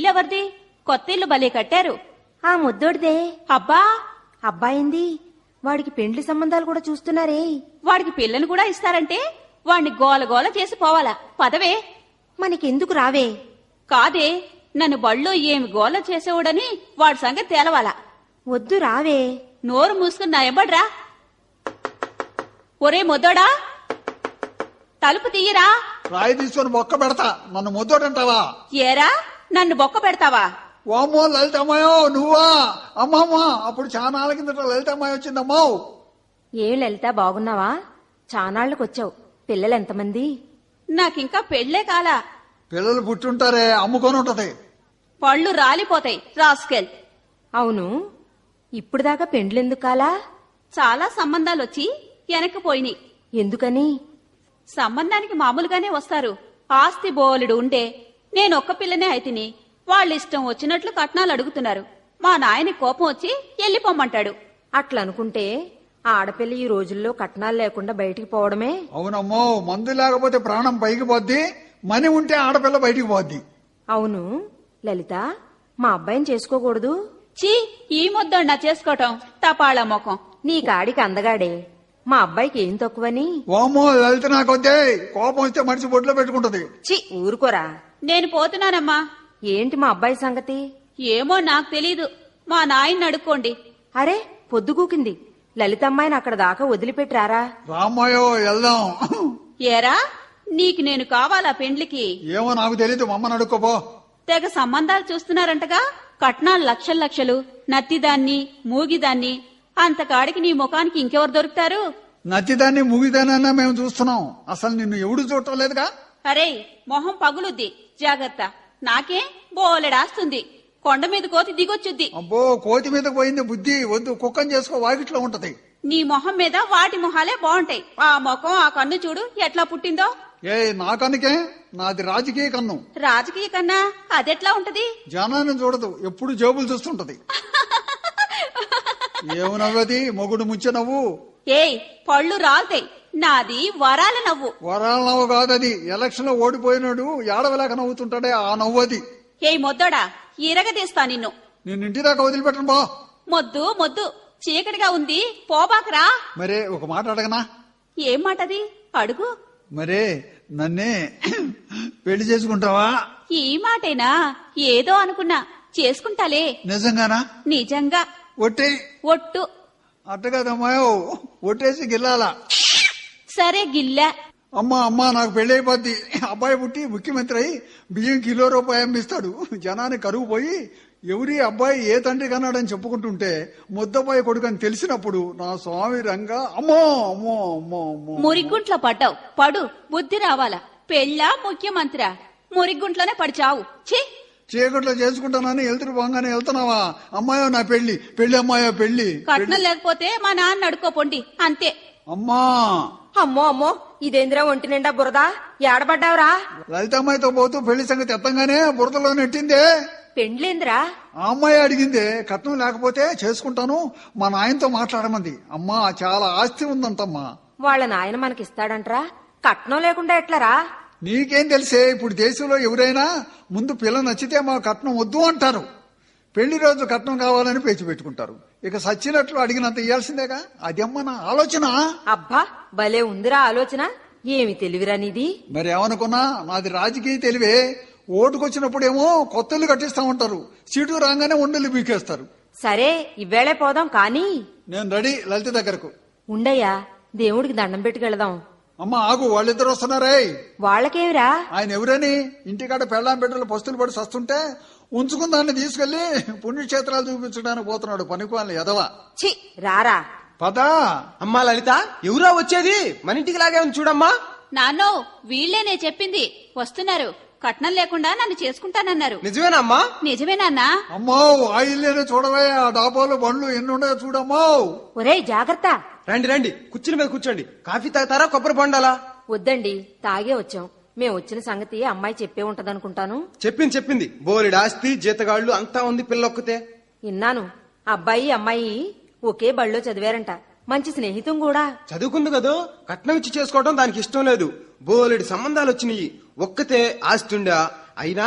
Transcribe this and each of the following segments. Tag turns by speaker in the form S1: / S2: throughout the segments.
S1: ఇల్లెవరిది? కొత్త ఇల్లు భలే కట్టారు.
S2: ఆ ముద్దోడిదే.
S1: అబ్బా,
S2: అబ్బాయింది. వాడికి పెండ్లి సంబంధాలు కూడా చూస్తున్నారే.
S1: వాడికి పిల్లని కూడా ఇస్తారంటే వాణ్ణి గోలగోల చేసి పోవాలా. పదవే.
S2: మనకెందుకు రావే?
S1: కాదే, నన్ను బళ్ళో ఏమి గోల చేసేవాడని వాడి సంగతి తేలవాలా.
S2: వద్దు రావే.
S1: నోరు మూసుకుని నా ఎబ్బడ్రా. ఒరే మొద్దోడా, తలుపు తీయరా.
S3: రాయి తీసుకొని బొక్క పెడతా. నన్ను ముద్దోడంటావా?
S1: ఏరా, నన్ను బొక్క పెడతావా?
S3: ఓమో లలితమ్మాయో, నువ్వా? అమ్మమ్మా, అప్పుడు చాలా నాళ్ళ కిందట లలితమ్మాయి వచ్చిందమ్మా.
S2: ఏం లలిత, బాగున్నావా? చానాళ్లకొచ్చావు. పిల్లలెంతమంది?
S1: నాకింకా పెళ్లే కాలా.
S3: పిల్లలు పుట్టుంటారే, అమ్ముకొని ఉంటది.
S1: పళ్ళు రాలిపోతాయి రాస్కెల్.
S2: అవును, ఇప్పుడు దాకా పెండ్లెందుకు కాలా?
S1: చాలా సంబంధాలొచ్చి వెనక్కిపోయినాయి.
S2: ఎందుకని?
S1: సంబంధానికి మామూలుగానే వస్తారు. ఆస్తి బోలెడు ఉండే నేనొక్క పిల్లనే అయితిని. వాళ్ళిష్టం వచ్చినట్లు కట్నాలు అడుగుతున్నారు. మా నాయని కోపం వచ్చి ఎల్లిపోమ్మంటాడు.
S2: అట్లనుకుంటే ఆడపిల్ల ఈ రోజుల్లో కట్నాలు లేకుండా బయటికి పోవడమే.
S3: అవునమ్మో, మందు లేకపోతే ప్రాణం పైకి పోద్ది, మని ఉంటే ఆడపిల్ల బయటికి పోద్ది.
S2: అవును లలిత, మా అబ్బాయిని చేసుకోకూడదు?
S1: చీ, ఈ ముద్దన్నా చేసుకోవటం తపాళ మొఖం.
S2: నీ కాడికి అందగాడే, మా అబ్బాయికి ఏం తక్కువని?
S3: ఓమో లలిత, నాకొద్దే. కోపం వస్తే మనిషి బొడ్లో పెట్టుకుంటది.
S2: చి ఊరుకోరా.
S1: నేను పోతున్నానమ్మా.
S2: ఏంటి మా అబ్బాయి సంగతి?
S1: ఏమో నాకు తెలీదు, మా నాయన్ని అడుక్కోండి.
S2: అరే పొద్దుగూకింది. లలితమ్మాయిని అక్కడ దాకా వదిలిపెట్టారా?
S3: రామ్మాయో, వెళ్దాం.
S1: ఏరా, నీకు నేను కావాలా పెండ్లికి?
S3: ఏమో నాకు తెలీదు, మమ్మని అడుక్కోపో.
S1: తెగ సంబంధాలు చూస్తున్నారంటగా. కట్నాలు లక్షలు లక్షలు, నత్తిదాన్ని మూగిదాన్ని. అంతకాడికి నీ ముఖానికి ఇంకెవరు దొరుకుతారు?
S3: నచ్చిదాన్ని ముగిదానన్నా మేము చూస్తున్నాం. అసలు నిన్ను ఎవడు చూడటం లేదుగా.
S1: అరే, మొహం పగులుద్ది, జాగ్రత్త. నాకే బోలెడాస్తుంది. కొండ మీద కోతి దిగొచ్చుద్ది.
S3: అబ్బో, కోతి మీద పోయింది బుద్ధి. వద్దు, కుక్కని చేసుకో, వాకిట్లో ఉంటది.
S1: నీ మొహం మీద వాటి మొహాలే బాగుంటాయి. ఆ ముఖం, ఆ కన్ను చూడు ఎట్లా పుట్టిందో.
S3: ఏ నా కనుకే, నాది రాజకీయ కన్ను.
S1: రాజకీయ కన్నా అదెట్లా ఉంటది?
S3: జనాన్ని చూడదు, ఎప్పుడు జేబులు చూస్తుంటది. ఏమి నవ్వది? మొగుడు ముంచె నవ్వు.
S1: ఏయ్, పళ్ళు రాలుతాయి. నాది వరాల నవ్వు.
S3: వరాల నవ్వు కాదది. ఎలక్షన్ లో ఓడిపోయినాడు ఏడవలేక నవ్వుతుంటాడే, ఆ నవ్వది.
S1: ఏయ్ మొద్దోడా, ఇరగదీస్తా నిన్ను.
S3: నిన్ను ఇంటి దాకా వదిలిపెట్టను బా.
S1: మొద్దు మొద్దు, చీకటిగా ఉంది, పోబాకరా.
S3: మరే ఒక మాట అడగనా?
S1: ఏం మాటది? అడుగు.
S3: మరే నన్నే పెళ్లి చేసుకుంటావా?
S1: ఈ మాటేనా? ఏదో అనుకున్నా. చేసుకుంటాలే.
S3: నిజంగానా?
S1: నిజంగా.
S3: ఒట్టే.
S1: ఒట్టు.
S3: అట్ట కదమ్మాయో, ఒట్టేసి గిల్లాలా.
S1: సరే గిల్లా.
S3: అమ్మా అమ్మా, నాకు పెళ్లి అయిపోద్ది. అబ్బాయి పుట్టి ముఖ్యమంత్రి అయి బియ్యం కిలో రూపాయి అమ్మిస్తాడు. జనాన్ని కరువు పోయి ఎవరి అబ్బాయి ఏ తండ్రి కన్నాడని చెప్పుకుంటుంటే ముద్దబ్బాయి కొడుకు అని తెలిసినప్పుడు నా స్వామి రంగా అమ్మో అమ్మో అమ్మో అమ్మో.
S1: మురిగుంట్లో పడ్డావు. పడు, బుద్ధి రావాలా. పెళ్ళా ముఖ్యమంత్రి? మురిగుంట్లోనే పడి చావు. ఛీ,
S3: చీకట్లో చేసుకుంటానని వెళ్తురు పోగానే వెళ్తున్నావా? అమ్మాయో నా పెళ్లి, పెళ్లి అమ్మాయో పెళ్లి.
S1: కట్నం లేకపోతే మా నాన్న అడుకోపోండి, అంతే.
S3: అమ్మా.
S2: అమ్మో అమ్మో, ఇదేంద్రా ఒంటి నిండా బురదా? ఏడబడ్డావురా?
S3: లలితమ్మాయితో పోతూ పెళ్లి సంగతి ఎత్తంగానే బురదలో నెట్టిందే.
S2: పెండ్లేంద్రా?
S3: ఆ అమ్మాయి అడిగిందే. కట్నం లేకపోతే చేసుకుంటాను, మా నాయనతో మాట్లాడమంది. అమ్మా, చాలా ఆస్తి ఉందంటమ్మా.
S2: వాళ్ళ నాయన మనకిస్తాడంట్రా? కట్నం లేకుండా ఎట్లరా?
S3: నీకేం తెలిసే? ఇప్పుడు దేశంలో ఎవరైనా ముందు పిల్ల నచ్చితే మా కట్నం వద్దు అంటారు. పెళ్లి రోజు కట్నం కావాలని పేచి పెట్టుకుంటారు. ఇక సచ్చినట్లు అడిగినంత ఇయ్యాల్సిందేగా. అదమ్మ నా ఆలోచన.
S2: అబ్బా, భలే ఉందిరా ఆలోచన. ఏమి తెలివిరా నీది?
S3: మరి ఏమనుకున్నా, నాది రాజకీయ తెలివే. ఓటుకొచ్చినప్పుడేమో కొత్తలు కట్టిస్తా ఉంటారు, సీటు రాగానే ఉండలు బీకేస్తారు.
S2: సరే, ఇవ్వేళే పోదాం కానీ.
S3: నేను రెడీ లలిత దగ్గరకు.
S2: ఉండయ్యా, దేవుడికి దండం పెట్టుకెళదాం.
S3: అమ్మ ఆగు, వాళ్ళిద్దరు వస్తున్నారే.
S2: వాళ్ళకేమిరా?
S3: ఆయన ఎవరని ఇంటికాడ పెళ్ళాం బిడ్డలు పస్తులు పడి సస్తుంటే ఉంచుకున్న దాన్ని తీసుకెళ్లి పుణ్యక్షేత్రాలు చూపించడానికి పోతున్నాడు. పనికివాళ్ళని ఎదవా.
S2: చి రారా.
S3: పదా.
S4: అమ్మా లలిత, ఎవరా వచ్చేది? మన ఇంటికి లాగే ఉంది చూడమ్మా.
S1: నాన్నో, వీళ్లేనే చెప్పింది. వస్తున్నారు. కట్నం లేకుండా నన్ను చేసుకుంటానన్నారు.
S4: నిజమేనమ్మా?
S1: నిజమే నాన్నా.
S3: అమ్మో, ఆ ఇల్లేనే చూడవే. ఆ డాబాలు బండ్లు ఎన్ని ఉన్నాయో చూడమ్మో.
S2: ఒరేయ్ జాగ్రత్త.
S4: రండి రండి, కుర్చీల మీద కూర్చోండి. కాఫీ తాగుతారా, కొబ్బరి బొండాలా?
S2: వద్దండి, తాగే వచ్చాం. మేము వచ్చిన సంగతి అమ్మాయి చెప్పే ఉంటదనుకుంటాను.
S4: చెప్పింది. బోలెడు ఆస్తి, జీతగాళ్లు అంతా ఉంది, పిల్లొక్కతే.
S2: విన్నాను. అబ్బాయి అమ్మాయి ఒకే బళ్ళో చదివారంట. మంచి స్నేహితం కూడా.
S4: చదువుకుంది కదా, కట్నం ఇచ్చి చేసుకోవడం దానికి ఇష్టం లేదు. బోలెడు సంబంధాలు వచ్చినాయి. ఒక్కతే ఆస్తి ఉండా. అయినా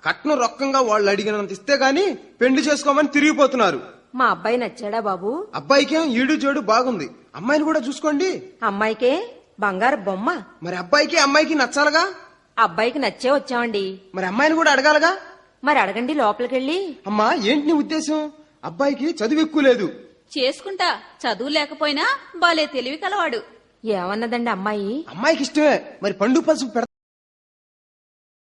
S4: కట్నం రొక్కంగా వాళ్ళు అడిగినంత ఇస్తే గాని పెళ్లి చేసుకోమని తిరిగిపోతున్నారు.
S2: మా అబ్బాయి నచ్చాడా బాబు?
S4: అబ్బాయికేం ఈడు జోడు బాగుంది, అమ్మాయిని కూడా చూసుకోండి.
S2: అమ్మాయికే బంగారు బొమ్మ.
S4: మరి అబ్బాయికి అమ్మాయికి నచ్చాలగా.
S2: అబ్బాయికి నచ్చే వచ్చామండి.
S4: మరి అమ్మాయిని కూడా అడగాలగా.
S2: మరి అడగండి లోపలికెళ్ళి.
S4: అమ్మా ఏంటి నీ ఉద్దేశం? అబ్బాయికి చదువు ఎక్కువ లేదు.
S1: చేసుకుంటా, చదువు లేకపోయినా బాలే తెలివి కలవాడు.
S2: ఏమన్నదండి అమ్మాయి?
S4: అమ్మాయికి ఇష్టమే, మరి పండు పసుపు